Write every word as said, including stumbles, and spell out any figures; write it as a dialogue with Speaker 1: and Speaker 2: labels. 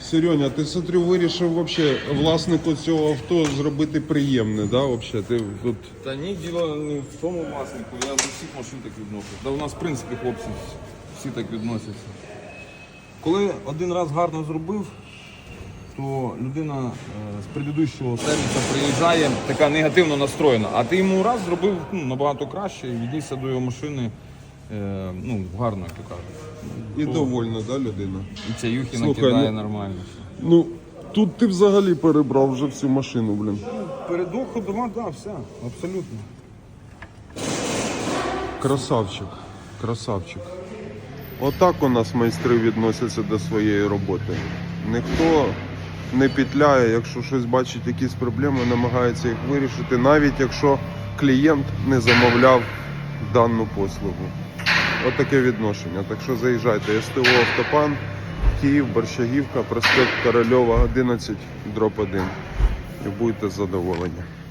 Speaker 1: Серьоня, ти, смотрю, вирішив вообще власнику цього авто зробити приємне, да, вообще? Ти тут...
Speaker 2: Та ні, діло не в тому власнику, я до всіх машин так відношусь. Та у нас, в принципі, хлопці всі так відносяться. Коли один раз гарно зробив, то людина е, з предыдущого сервісу приїжджає така негативно настроєна, а ти йому раз зробив ну, набагато краще і віднісся до його машини е, ну, гарно, як то кажуть.
Speaker 1: І
Speaker 2: То...
Speaker 1: довольна, да, людина?
Speaker 2: І ця юхи
Speaker 1: Слухай,
Speaker 2: накидає
Speaker 1: ну...
Speaker 2: нормально.
Speaker 1: Ну, тут ти взагалі перебрав вже всю машину, блін.
Speaker 2: Передок ходова, так, все, абсолютно.
Speaker 1: Красавчик, красавчик. Отак у нас майстри відносяться до своєї роботи. Ніхто не петляє, якщо щось бачить, якісь проблеми, намагається їх вирішити, навіть якщо клієнт не замовляв дану послугу. Отаке відношення. Так що заїжджайте. ес те о «Автопан», Київ, Борщагівка, проспект Корольова, одинадцять, дроб один. І будете задоволені.